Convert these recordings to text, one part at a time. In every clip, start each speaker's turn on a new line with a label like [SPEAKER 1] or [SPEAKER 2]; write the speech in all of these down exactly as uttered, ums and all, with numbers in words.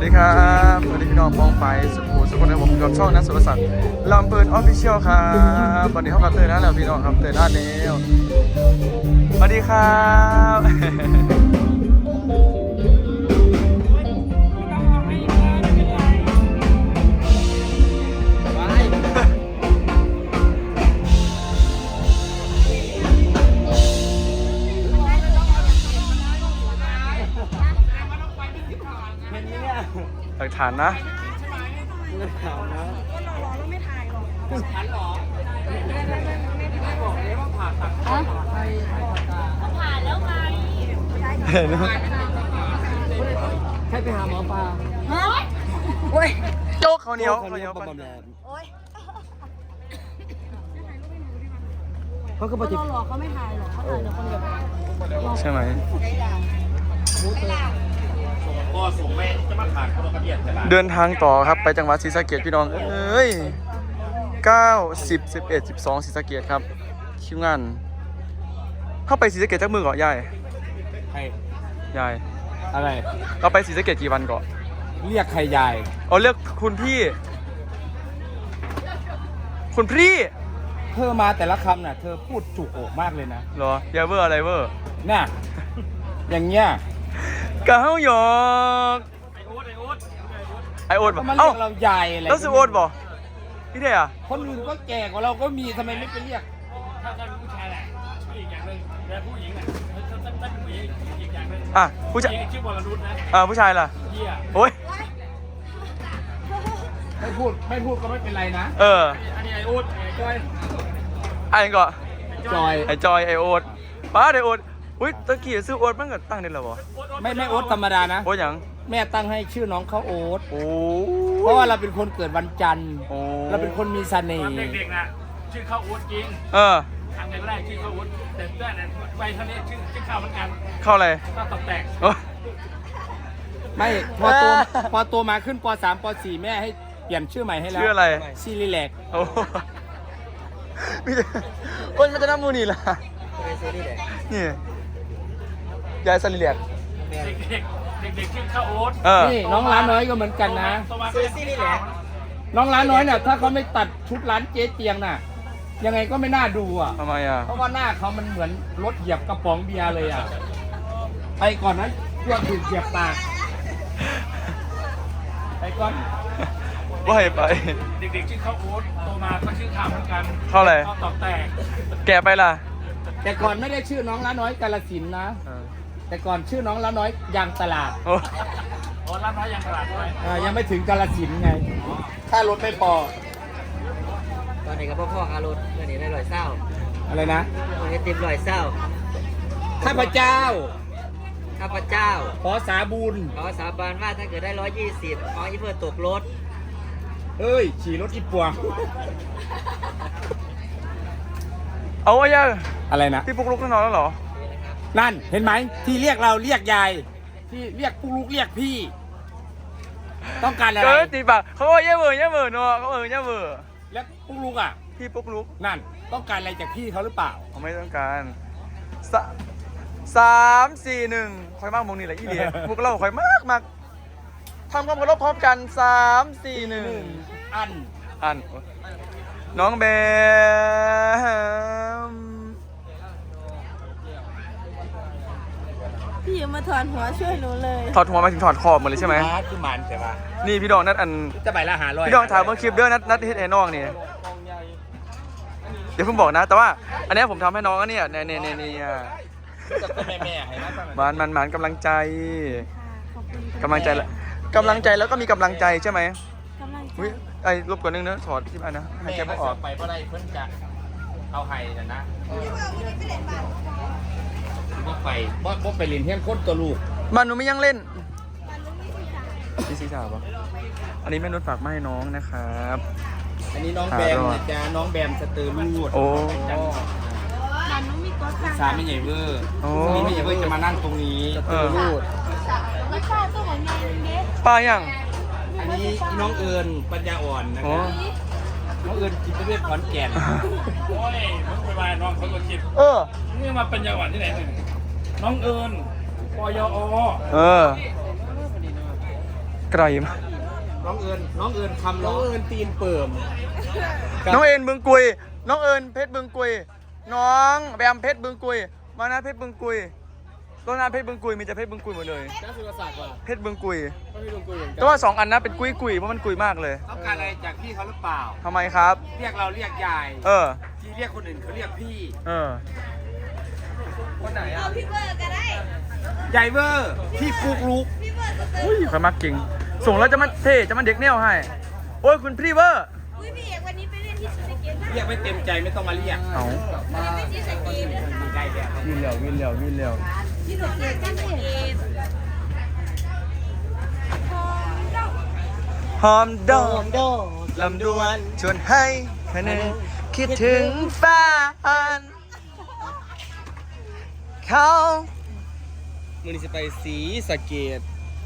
[SPEAKER 1] ดีครับสวัสดีพี่น้องมองไปสุขุมสุขคนในผมกับช่องนัทสุรศักดิ์ลำเปิดออฟฟิเชียลครับวันนี้เขากับเตยนะแล้วพี่น้องครับเตยหน้าเนวสวัสดีครับหลักฐานนะ
[SPEAKER 2] ผ่านแล้วไง
[SPEAKER 3] ใช่ไปหาหมอปลา
[SPEAKER 2] ฮะโอ้ย
[SPEAKER 1] โจ๊กเขาเหนียวเขาเหนียว
[SPEAKER 2] โอ้ย
[SPEAKER 3] เขาก็ปฏิ
[SPEAKER 2] เราหลอกเขาไม่ถ่ายหรอกเขาถ่ายแต่คนแบบ
[SPEAKER 1] ใช่ไหมเดินทางต่อครับไปจังหวัดศรีสะเกษพี่น้องเอ้ยเก้า สิบ สิบเอ็ด สิบสองศรีสะเกษครับคิวงานเข้าไปศรีสะเกษจักมือก่อนยาย
[SPEAKER 3] ใคร
[SPEAKER 1] ยาย
[SPEAKER 3] อะไร
[SPEAKER 1] เราไปศรีสะเกษกี่วันก่อน
[SPEAKER 3] เรียกใครยาย
[SPEAKER 1] เอาเรียกคุณพี่ คุณพี่
[SPEAKER 3] เธอมาแต่ละคำน่ะเธอพูดจุกอกมากเลยนะ
[SPEAKER 1] เหรออยาเวอร์อะไรเวอร์
[SPEAKER 3] น่ะอย่างเงี้ย
[SPEAKER 1] กะเฮาหยอกไอโอ๊ตไอโอ๊ตไอโอ๊ต
[SPEAKER 3] ก็
[SPEAKER 1] บ่
[SPEAKER 3] มาเรี
[SPEAKER 1] เอ้าย
[SPEAKER 3] กเรายายอะไร
[SPEAKER 1] แล้วสิโอ๊ตบ่พี่เท่อะ
[SPEAKER 3] คนอื่นก็แก่กว่าเราก็มีทำไมไม่ไปเรียก
[SPEAKER 4] ถ้าถ้าเป็นผู้ชายแหละชื่ออีกอย่างหนึ่งแต่ผู้หญิงอ่ะถ้าถ้าถ้าเป็นผู้หญิงอีกอย่างหนึ่ง
[SPEAKER 1] อ่ะผู้ชาย
[SPEAKER 4] ผู้หญิงชื่อวรนุชนะ
[SPEAKER 1] อ่าผู้ชายล่ะ
[SPEAKER 4] เหี้ย
[SPEAKER 1] โอ้ย
[SPEAKER 3] ไม่พูดไม่พูดก็ไม่เป็นไรนะ
[SPEAKER 1] เออ
[SPEAKER 4] อันนี้ไอ้อู๊ดไอ้ก้อย
[SPEAKER 1] ไอ้ก็
[SPEAKER 3] จอย
[SPEAKER 1] ไอจอยไอโอ๊ตป้าไอโอ๊ตอุ้ยตะกี้ซื้อโอ๊ตมันก็ตั้งได้แล้วบ่
[SPEAKER 3] ไม่ไม่โอ๊ตธรรมดานะ
[SPEAKER 1] โอ๊ตหยัง
[SPEAKER 3] แม่ตั้งให้ชื่อน้องเขาโอ๊ต
[SPEAKER 1] โอ้
[SPEAKER 3] เพราะว่าเราเป็นคนเกิดวันจันทร์
[SPEAKER 1] โอ้
[SPEAKER 3] เราเป็นคนมีเสน่
[SPEAKER 4] ตอน
[SPEAKER 3] ห์
[SPEAKER 4] เด็กๆน่ะชื่อข้าวอู๊ดจริง
[SPEAKER 1] เออ
[SPEAKER 4] ครั้งแรกชื่อข้าวอู๊ดแต่เพื่อนนั้นไปเท่านี้ชื่อชื่อข้าวเหมือนกัน
[SPEAKER 1] เข้าอะไร
[SPEAKER 4] ข้าวตอกแตก
[SPEAKER 1] โอ้ย
[SPEAKER 3] ไม่พอโตพอโตมาขึ้นป .สาม ป .สี่ แม่ให้เปลี่ยนชื่อใหม่ให้แล้ว
[SPEAKER 1] ชื่ออะไร
[SPEAKER 3] ซีรีแลก
[SPEAKER 1] โอ้มีแต่คนมันจะน้ำมูนี่ล่ะนี่ยายสลิเลียก
[SPEAKER 4] เด็กๆเด็กๆชื่อข้าวอู๊ด
[SPEAKER 1] เออ
[SPEAKER 3] นี่น้องร้านน้อยก็เหมือนกันนะ
[SPEAKER 4] ซื้อซีรีส์แหละ
[SPEAKER 3] น้องร้านน้อยเนี่ยถ้าเขาไม่ตัดชุดร้านเจ๊เตียงน่ะ ยังไงก็ไม่น่าดูอ่ะ
[SPEAKER 1] ทำไมอ่ะ
[SPEAKER 3] เพราะว่าหน้าเขามันเหมือนรถเหยียบกระป๋องเบียร์เลยอ่ะ ไปก่อนนะพวกถูกเหยียบปากไปก่อน
[SPEAKER 1] ว่าให้ไป
[SPEAKER 4] เด็กๆชื่อข้าวอู๊ดโตมาก็ชื่อข้าวเหมือนกัน
[SPEAKER 1] เข้าอะไร
[SPEAKER 4] ข้าวตอกแตก
[SPEAKER 1] แกไปล่ะ
[SPEAKER 3] แต่ก่อนไม่ได้ชื่อน้องร้านน้อยกาลสินธุ์นะ
[SPEAKER 1] เออ
[SPEAKER 3] แต่ก่อนชื่อน้องร้านน้อยยางตลาด
[SPEAKER 1] โอ้
[SPEAKER 4] อ๋อรับน้อยยังตลาดด้วย
[SPEAKER 3] อ่ายังไม่ถึงกาลสินธุ์ไง ถ้ารถไม่พอ
[SPEAKER 5] ตอนนี้ก็พ่อพ่อคารถเมื่อนี้ได้ลอยเศร้า
[SPEAKER 3] อะไรนะ
[SPEAKER 5] เมื่อนี้ติมลอยเศร้า
[SPEAKER 3] ข้าพเจ้า
[SPEAKER 5] ข้าพเจ้า
[SPEAKER 3] ขอสาบุญ
[SPEAKER 5] ขอสาบานว่าถ้าเกิดได้ร้อยยี่สิบขออีเพื่อตกรถ
[SPEAKER 3] เอ้ยขี่รถอีปวง
[SPEAKER 1] เอาไว้ยัง
[SPEAKER 3] อะไรนะ
[SPEAKER 1] พี่ปุ๊กลุกนอนแล้วเหรอ
[SPEAKER 3] นั่นเห็นไหมที่เรียกเราเรียกยายที่เรียกปุ๊กลุกเรียกพี่ ต้องการอะไร
[SPEAKER 1] เกิดตีปากเขาบอกเย่เบอร์เย่เบอร์เนาะเขาเออเย่เบอร์
[SPEAKER 3] แล้วปุ๊กลุกอ่ะ
[SPEAKER 1] พี่ปุ๊กลุก
[SPEAKER 3] นั่นต้องการอะไรจากพี่เขาหรือเปล่า
[SPEAKER 1] เขาไม่ต้องการสะสามสี่หนึ่งคอยมากมงนี่แหละอีเดียพวกเราคอยมากมากทำความเคารพพร้อมกันสามสี่หนึ่ง
[SPEAKER 3] อัน
[SPEAKER 1] อันน้องแบม
[SPEAKER 2] พี่ยืมมาถอนหัวช่วยหนูเลย
[SPEAKER 1] ถอดหัวมาถึงถอดคอหมดเลยใช่ไหม
[SPEAKER 3] มาคือมันใช่ปะ
[SPEAKER 1] นี่พี่ดองนัดอัน
[SPEAKER 3] จะไปละหาร้อย
[SPEAKER 1] พี่ดองถามเมื่อคลิปเด้อนัดนัดเฮ็ดให้น้องนี่เดี๋ยวเพิ่งบอกนะ แต่ว่า อันเนี้ยผมทำให้น้องอันเนี้ยเนี่ยเนี่ยเนี่ยเนี่ย
[SPEAKER 3] กับแม่แม่ๆให้นะ
[SPEAKER 1] มันมันมันกำลังใจ
[SPEAKER 2] ขอบคุณ
[SPEAKER 1] กำลังใจละกำลังใจแล้วก็มีกำลังใจใช่ไหม
[SPEAKER 2] กำลังใจ
[SPEAKER 1] อุ้ยไอ้รบกวนนึงนะถอดที่อันนะให้
[SPEAKER 3] แม่
[SPEAKER 1] แก
[SPEAKER 3] ก็
[SPEAKER 1] ไม่อ
[SPEAKER 3] อ
[SPEAKER 1] อ
[SPEAKER 3] อก กไปเพราะอะไรเพิ่นจะเอาไห้นะนะบ่ไปบ่บ่ไปเล่นเฮี้ยนคนตัวลูก
[SPEAKER 1] มันหนูไม่ยังเล่นพี่ซีสาวปะอันนี้แม่นุชฝากมาให้น้องนะครับ
[SPEAKER 3] อันนี้น้องแบมนะจ๊ะน้องแบมสเตอร์ลูด
[SPEAKER 1] โอ้
[SPEAKER 2] มันไม่มีตัวกลาง
[SPEAKER 3] สาไม่ใหญ่เวอร์
[SPEAKER 1] โอ้
[SPEAKER 3] นี่ไม่ใหญ่เวอร์จะมานั่งตรงนี้
[SPEAKER 1] เออ
[SPEAKER 3] ลูด
[SPEAKER 2] ไม่ใช่ตัวของยายเด็ก
[SPEAKER 1] ป้ายัง
[SPEAKER 3] อันนี้น้องเอิญปัญญาอ่อนนะ
[SPEAKER 1] โอ้
[SPEAKER 3] ครับน้องเอิญจิตเวชขอนแก่น
[SPEAKER 4] โอ้ยมึงไปวายน้องเขาก็คิด
[SPEAKER 1] เออ
[SPEAKER 4] นี่มาเป็นยาหวานที่ไหนหนึ่งน้องเอิญปยอ
[SPEAKER 1] เออไกลมาก
[SPEAKER 3] น้องเอิญน้องเอิญคำน้องเอิญตีนเปิ่ม
[SPEAKER 1] น้องเอ็นบึงกุย น้องเอิญเพชรบึงกุย น้องแบมเพชรบึงกุย มานะเพชรบึงกุยต้นน้ำเพชรบึงกุยมีแต่เพชรบึงกุยหมดเลย
[SPEAKER 3] นักสุรศาสตร์ว่ะ
[SPEAKER 1] เพชรบึงกุย
[SPEAKER 3] ก็พี่ลุงกุยเหมือนกั
[SPEAKER 1] แต่ว่าสองอันนะเป็นกุยกุยเพราะมันกุยมากเลย
[SPEAKER 3] ต้องการอะไรจากพี่เขาหรือเปล่า
[SPEAKER 1] ทำไมครับ
[SPEAKER 3] เรียกเราเรียกยาย
[SPEAKER 1] เออ
[SPEAKER 3] ที่เรียกคนอื่นเขาเรียกพี่
[SPEAKER 1] เออ
[SPEAKER 3] คนไหนอ่ะ
[SPEAKER 2] พี่เบอร์ก็ได้
[SPEAKER 3] ใหญ่เวอร์พี่ปุ๊กลุก
[SPEAKER 2] พี่เบอร์ก็ได้
[SPEAKER 1] อุ้ยใครมักจริง ส่งแล้วจะมาเท่จะมาเด็กแนวให้ โอ้ยคุณพรีเวอร์
[SPEAKER 2] อุ้ยพี่เอกวันนี้ไปเล่นที่สเก็ตนะ
[SPEAKER 3] เรียกไม่เต็มใจไม่ต้องมาเรียก
[SPEAKER 1] เอา
[SPEAKER 2] วันนี้ไปที่สเก็ตนะ
[SPEAKER 3] มีได้แบบ
[SPEAKER 1] วินเหลียววินเหลียววินเหลียว
[SPEAKER 2] ที่สเก็ตที่สเก็ต
[SPEAKER 1] หอมดอกลำดวนชวนให้คะแนนคิดถึงแฟนเขา
[SPEAKER 3] มือนี้จะไปสีสะเกต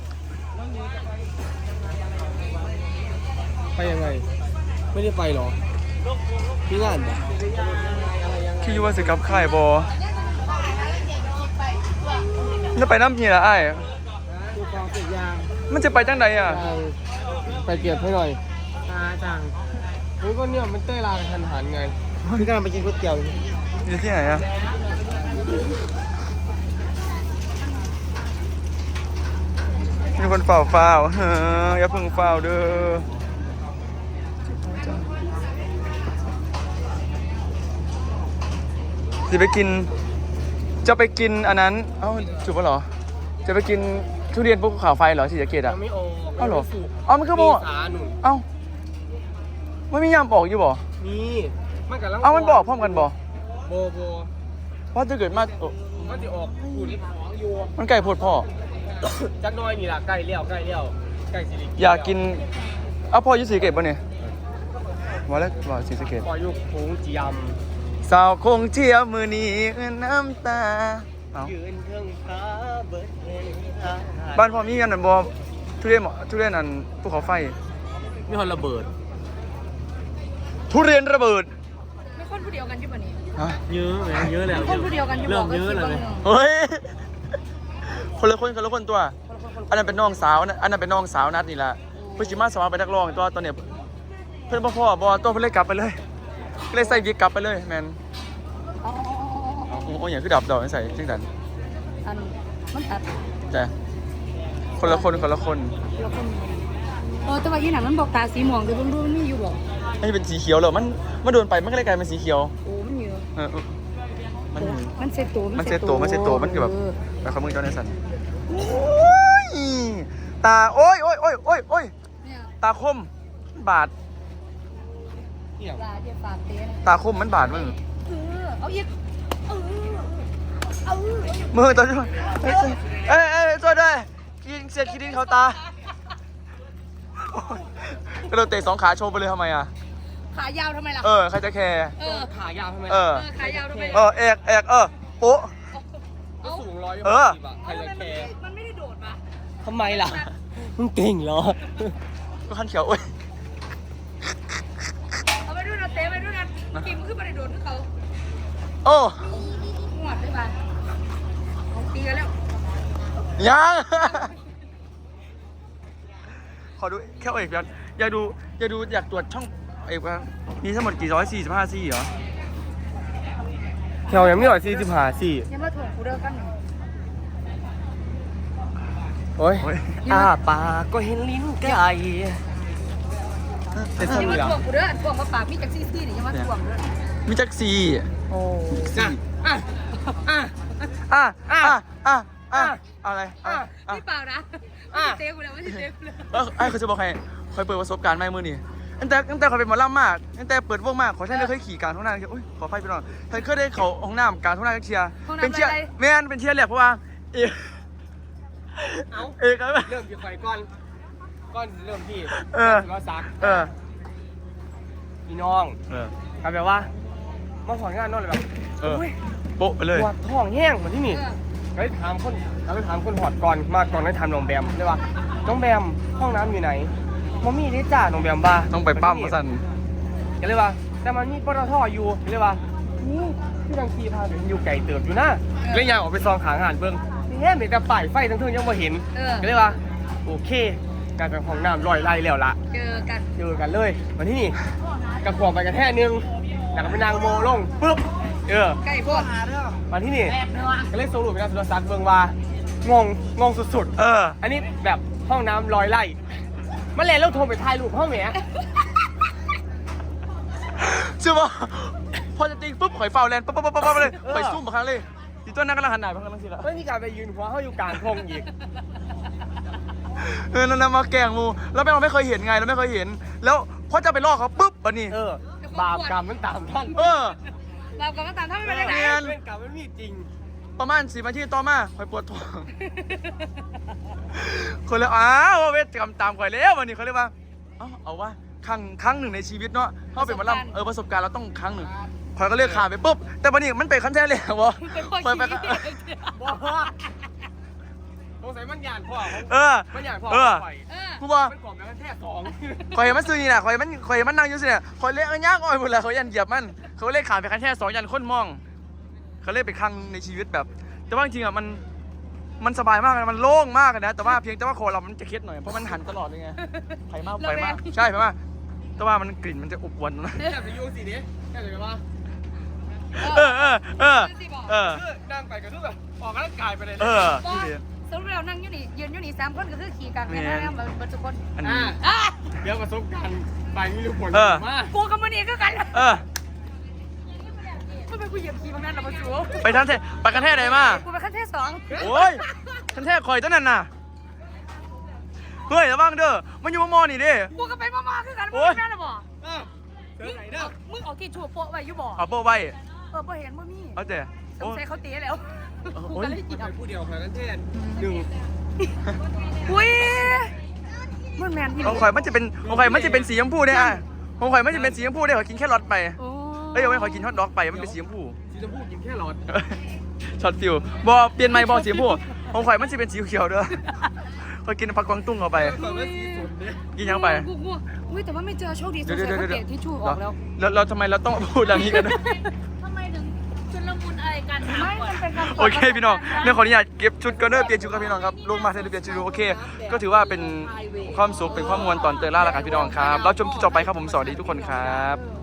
[SPEAKER 3] ไปยังไง ไม่ได้ไปหรอพี่งานปะ
[SPEAKER 1] คิดว่าสิกับค่ายบอแล้วไปน้ำพีละไอ้าย
[SPEAKER 3] ดูกองเสร็จยาง
[SPEAKER 1] มันจะไปจังใดอ่ะ
[SPEAKER 3] ไปเก็บให้หน่อยอาจังโอ้ยก็เนี่ยมันเต้ยลาทันหันไงพี่กำลังไปกินก๋วยเตี๋ยว
[SPEAKER 1] อยู่ที่ไหนอ่ะมีคนเฝ้าเฝ้าเฮ้ออย่าเพิ่งเฝ้าเด้อจะไปกิน จะไปกินอันนั้น เอ้าจุบปะเหรอ จะไปกินทุเรียนภูเขาไฟเหรอสีสะเกดอ่ะ
[SPEAKER 3] ยังไม่โอ
[SPEAKER 1] เอ้าเหรอเอ้ามันก็บอก
[SPEAKER 3] สาหนุน
[SPEAKER 1] เอ้าไม่มียามบอกอยู่บ่
[SPEAKER 3] มีมันกับลัง
[SPEAKER 1] เอ้ามันบอกพร้อมกันบ่
[SPEAKER 3] โบโบ
[SPEAKER 1] ว่าจะเกิดมาโอ้
[SPEAKER 3] มันจะออกหุ่นของอยู่
[SPEAKER 1] มันไก่โพดพ่อ
[SPEAKER 3] จักหน้อยนี่ล่ะใกล้เลี้ยวใกล้เลี้ยวใกล้สิริ
[SPEAKER 1] อยากกิน เอ้าพ่ออยุสีสะเกตป่ะเนี่ยว่าแล้วว่าสีสะเกต
[SPEAKER 3] ปล่อยยุคผงจียม
[SPEAKER 1] สาวคงเที่ยวมือนี้เอื้อนน้ำตาเอ้า
[SPEAKER 3] ยืนเทิงฟ้าเบิดเห็นตา
[SPEAKER 1] บ้านพ่อมีอันนั้นบ่ทุเรียนหมอทุเรียนอันภูเขาไฟ
[SPEAKER 3] มีคนระเบิด
[SPEAKER 1] ทุเรียนระเบิด
[SPEAKER 2] ไม่คนผู้เดียวกันใช่ปะนี่
[SPEAKER 1] ฮะ
[SPEAKER 3] เยอะไหมเยอะแล้ว
[SPEAKER 2] คนผู้เดียวกันอยู่
[SPEAKER 3] เริ่
[SPEAKER 2] บอ
[SPEAKER 3] ม
[SPEAKER 2] กก็
[SPEAKER 3] เยอะ
[SPEAKER 2] คิด
[SPEAKER 3] แล้ว
[SPEAKER 2] ว่า
[SPEAKER 3] เลย
[SPEAKER 1] เฮ้ย คนละคนคนละคนตัว อันนั้นเป็นน้องสาวนะอันนั้นเป็นน้องสาวนัดนี่แหละเพื่อจิมาสมัครไปนักร้องตัวตอนเนี้ยเพื่อนพ่อพ่อบอตัวเพื่อนเลยกลับไปเลยก็เลยใส่วิกกลับไปเลยแมน
[SPEAKER 2] อ๋อ
[SPEAKER 1] โอ้โหอย่างคือดับดอกใส่จริงจัง
[SPEAKER 2] อันมันตัด
[SPEAKER 1] แต่คนละคนคนละคน
[SPEAKER 2] เราคนเออแต่ว่าอีหนังมันบอกตาสีม่วงดูดูดูมันมีอยู่บอก
[SPEAKER 1] อันนี้เป็นสีเขียวเลยมันมันโดนไปมันก็เลยกลายเป็นสีเขียว
[SPEAKER 2] โอ้มันเยอะ
[SPEAKER 1] เออเออมัน
[SPEAKER 2] มันเซ็ตตัว
[SPEAKER 1] มันเซตโตมันเซตโตมันคือแบบ
[SPEAKER 2] เออ
[SPEAKER 1] ไปขมือเจ้าในสันโอ้ยตาโอ้ยโอ้ยโอ้ยโอ้ยโอ้ย
[SPEAKER 2] เนี่ย
[SPEAKER 1] ตาคมบาด
[SPEAKER 3] เกี่ยว
[SPEAKER 2] ปลาเดี๋ยวฝากเต้น
[SPEAKER 1] ตาคมมันบาดมึง
[SPEAKER 2] เออเอาอีกเออเอา
[SPEAKER 1] มือตัวช่วยเอ้ยเอ้ยเอ้ยช่วยด้วยกินเสียดคิดดินเขาตาโอ๊ยกระโดดเตะสองขาโชว์ไปเลยทำไมอ่ะ
[SPEAKER 2] ขายาวทำไมล่ะ
[SPEAKER 1] เออใครจะแคร์
[SPEAKER 2] เออ
[SPEAKER 3] ขายาวทำไม
[SPEAKER 1] เออ
[SPEAKER 2] เออขายาวทำไม
[SPEAKER 1] เออเอกเอกเออโป๊ะ
[SPEAKER 3] ก็สูงร้อย
[SPEAKER 1] เออ
[SPEAKER 3] สิบอะใครจะแคร์
[SPEAKER 2] มันไม่ได้โดดมา
[SPEAKER 3] ทำไมล่ะมึงเก่งเหรอ
[SPEAKER 1] ก็ขันเขียวโอ้ย
[SPEAKER 2] เอาไปด้วยนะเต้ไปด้วยนะกิมขึ้นมาในโดดที่เขา
[SPEAKER 1] โอ้
[SPEAKER 2] หวดได้ป่ะเอาตีกันแล้ว
[SPEAKER 1] ยัง ขอดูแค่เอกอยากอยากดูอยากดูอยากตรวจช่องเอกว่ามีทั้งหมดกี่ร้อยสี่สิบห้าซี่เหรอ
[SPEAKER 3] แถวยังไม่หน่อยสี่สิบห้าสี่
[SPEAKER 2] ยังมาถ่วงกูเด้อกันหนึ่ง
[SPEAKER 3] โอ้ย
[SPEAKER 1] โอ้ย
[SPEAKER 3] อ้าปากก็เห็นลิ้นไก่เป็น
[SPEAKER 2] ยัง
[SPEAKER 3] สำ
[SPEAKER 2] มา
[SPEAKER 3] เหรอ
[SPEAKER 2] ถ่วงกูเด้อถ่วงมาปากมีจากซี่ซี่นี่ยังมาถ่วงเด้อ
[SPEAKER 1] มีจักซี
[SPEAKER 3] โอ้อ่ะอ่ะอ่ะ
[SPEAKER 1] อ่ะอ่ะอ่ะอ่ะอะไรอ่ะอ่ะ
[SPEAKER 2] พี่เปล่านะเต้กูแล้วไม่ใช่เต้กูแล้ว
[SPEAKER 1] เออไอ้เขาจะบอกให้คอยเปิดประสบการณ์ใหม่มือนี่ตั้งแต่ตั้งแต่เขาเป็นหมอลำมากตั้งแต่เปิดวงมากขอท่านเลยเคยขี่กลารท้องนาอุ้ยขอไฟไปหน่อยท่านเคยได้เขาห้องน้ำกลารท้องนาเชียร์เป็นเชียร์แม่นเป็นเชียร์แหลกเพราะว่าเอก
[SPEAKER 3] เอ้า
[SPEAKER 1] เอกครับ
[SPEAKER 3] เริ่มที่ไฟก่อนก่อนเริ่มที่
[SPEAKER 1] เออ
[SPEAKER 3] ก็ซัก
[SPEAKER 1] เออ
[SPEAKER 3] พี่น้อง
[SPEAKER 1] เออ
[SPEAKER 3] ครับแบบว่ามาสอนงานนอนเลยแบบ
[SPEAKER 1] เออ
[SPEAKER 3] โอ้ย
[SPEAKER 1] โป๊ะไปเลย
[SPEAKER 3] ปวดท้องแห้งเหมือนที่นี่ไปถามคนเราไปถามคนหอดก่อนมาก่อนได้ถามน้องแบมเลยว่าน้องแบมห้องน้ำอยู่ไหนมมี่ได้จ้าน้องแบมบ้า
[SPEAKER 1] ต้องไปปั้มมาสั่น
[SPEAKER 3] ก็เลยว่าแต่มันมีปตทอยู่ก็เลยว่านี่พี่ดังคีพาไปอยู่ไก่เติบอยู่นะเลยยางออกไปซองขางหานเบิ้งนี่แม่เห็นแต่ป้ายไฟทั้งเทิงยังไม่เห็น
[SPEAKER 2] เออ
[SPEAKER 3] ก็เลยว่าโอเคกลายเป็นห้องน้ำลอยไล่แล้วล่ะ
[SPEAKER 2] เจอกัน
[SPEAKER 3] เจอกันเลยวันที่นี่กระขวบไปกระแท่นึงแล้วก็ไปนางโมลงปุ๊บเออ
[SPEAKER 2] ใกล้พวก
[SPEAKER 3] วันที่นี่ก็เลยสรุปเป็นการสุรศักดิ์เบืองว่างงงงสุด
[SPEAKER 1] เออ
[SPEAKER 3] ๆ อันนี้แบบห้องน้ำลอยไล่มาเลยแล้วโทรไปถ่ายรูปห้องแหม
[SPEAKER 1] เชื่อป่ะพอจะติงปุ๊บข่อยเฝ้าแลนปั๊บปั๊บปั๊บปั๊บเลยข่อยซุ่มมาครั้งเลยอีตัวนั้นกำลังหันหน้าไปข้างหลังสิละ
[SPEAKER 3] ไม่มีการไปยืนหัวเขาอยู่กลางทงอีก
[SPEAKER 1] เออนั่นนะมาแกล้งมูแล้วแม่เราไม่เคยเห็นไงเราไม่เคยเห็น แล้วพอจะไปล่อเขาปุ๊บวันนี้
[SPEAKER 3] เออ บาปกรรมมันตามท่าน
[SPEAKER 1] เออ
[SPEAKER 2] เราก็ตามถ้าไม่เป็นไร
[SPEAKER 1] เรียน
[SPEAKER 3] เป็นกรรมมันมีจริง
[SPEAKER 1] ประมาณสี่นาทีต่อมาข่อยปวดท้อง คนเลยอ้าวเวทกรรมตามข่อยแล้ววันนี้เขาเรียกว่าเอาเอาว่าครั้งครั้งหนึ่งในชีวิตเนาะเขาเป็นหมาลำเออประสบการณ์เราต้องครั้งหนึ่งข่อยก็เลือกขาไปปุ๊บแต่วันนี้มันเป็นขั้นแท้เลยเหรอข่อยไป
[SPEAKER 3] บอกสงสัยมันหยาดพ่อของ
[SPEAKER 1] เออ
[SPEAKER 3] มันหยาดพ่อ
[SPEAKER 1] เออ
[SPEAKER 3] ข่อย
[SPEAKER 2] เออ
[SPEAKER 1] กูบอก
[SPEAKER 3] มันกล่อมแล้วมันแค่สอง
[SPEAKER 1] ข่อยเห็นมันซื้อนี่แหละข่อยเห็นมันข่อยเห็นมันนั่งอยู่สิเนี่ยข่อยเลี้ยงย่างอ้อยหมดเลยเขายันเหยียบมันเขาเล่ขาไปขั้นแท้สองยันคนมองเขาเล่นไปครั้งในชีวิตแบบ แต่ว่าจริงๆอ่ะมันมันสบายมากนะมันโล่งมากนะแต่ว่าเพียงแต่ว่าคอเรามันจะเคล็ดหน่อยเพราะมันหันตลอดเลยไงไฟมากไฟมากใช่ไฟมากแต่ว่ามันกลิ่นมันจะอบอวนนะ
[SPEAKER 3] แค่ไปยูสิเนี้ยแค่ไหนวะ
[SPEAKER 1] เออเออเออเออ
[SPEAKER 3] คือนั่งไปกับทุกแบบออกกำลังกายไปเลย
[SPEAKER 1] เออ
[SPEAKER 2] บอสรุปเรานั่งอยู่นี่ยืนอยู่นี่สามคนก็คือขี่กันไปนะบรรจุคน
[SPEAKER 1] อัน
[SPEAKER 3] อ่า
[SPEAKER 1] นี้
[SPEAKER 2] อ่ะ
[SPEAKER 3] เดี๋ยวประสบการณ์ไปมีลูกผล
[SPEAKER 1] เออ
[SPEAKER 3] มา
[SPEAKER 2] กูกับมันนี่ก็กัน
[SPEAKER 1] เออ
[SPEAKER 2] ทำไมกูเหยียบขี่บางนั้นเราบรรจุ
[SPEAKER 1] ไปทันเทไปกันแท้ไหนมา
[SPEAKER 2] กูไปขั้นเทศสอง
[SPEAKER 1] โอ้ยทันแท้คอยตั้งนั่นน่ะเฮ้ยระวังเด้อมันอยู่มอนี่เด้
[SPEAKER 2] กูก็ไปมาๆคือกันมึ
[SPEAKER 1] โอ๊
[SPEAKER 2] ง
[SPEAKER 1] ย
[SPEAKER 2] แม่ละบ่
[SPEAKER 3] เออเจอไหนเด้อ
[SPEAKER 2] มึงเอากี่ชั่วโปะไว้อยู่บ่
[SPEAKER 1] เอาโป้ไว้
[SPEAKER 2] เออพอเห็นว่ามี
[SPEAKER 1] เอาแต่
[SPEAKER 2] ส
[SPEAKER 1] โอ้
[SPEAKER 2] งสัยเขาตีแล้วกูก็เลยเหยียบ
[SPEAKER 3] ผู้เดียวใครกันเช่นหนึ่ง
[SPEAKER 2] อุ้ยมันแมนพี่
[SPEAKER 1] ของข่อยมันจะเป็นของข่อยมันจะเป็นสีชมพูได้อ่ะของข่อยมันจะเป็นสีชมพูได้ขอยกินแค่รอทไป
[SPEAKER 2] โอ้
[SPEAKER 1] เอ้ยเอาไว้ขอยกินฮอทดอกไปมันเป็นสีชมพู
[SPEAKER 3] สีชมพูกินแค่หลอด
[SPEAKER 1] ช็อตฟิวบอเปลี่ยนไม้บอสีชมพูของข่อยมันจะเป็นสีเขียวเด้อขอยกินผักกวางตุ้งเข้าไป
[SPEAKER 3] ก่อนว่าสีสุดเนี่ย
[SPEAKER 1] กินยังไป
[SPEAKER 2] กูกูอุ้ยแต่ว่าไม่เจอโชคดีส
[SPEAKER 1] เดี๋ยว
[SPEAKER 2] งสัย
[SPEAKER 1] เดี๋ยว
[SPEAKER 2] เขา
[SPEAKER 1] เดี๋ยว
[SPEAKER 2] เตะที่ชูออกแล้ว
[SPEAKER 1] แล้วเราทำไมเราต้องพูดอย่างนี้กันด้วย
[SPEAKER 6] ทำไมถึงชุลมุนอะไรกันถาม
[SPEAKER 2] ไม่
[SPEAKER 6] ก่อน
[SPEAKER 2] มันเป็นการ
[SPEAKER 1] โอเคพี่น้องเรื่องขออนุญาตเก็บชุดกันเด้อเปลี่ยนชุดครับพี่น้องครับลงมาเทเลเปลี่ยนชุดดูโอเค ก็ถือว่าเป็นความสุขเป็นความมวลตอนเตยล่าแล้วกันพี่น้องครับเราชมที่ต่อไปครับผมสวัสดีทุกคนครับ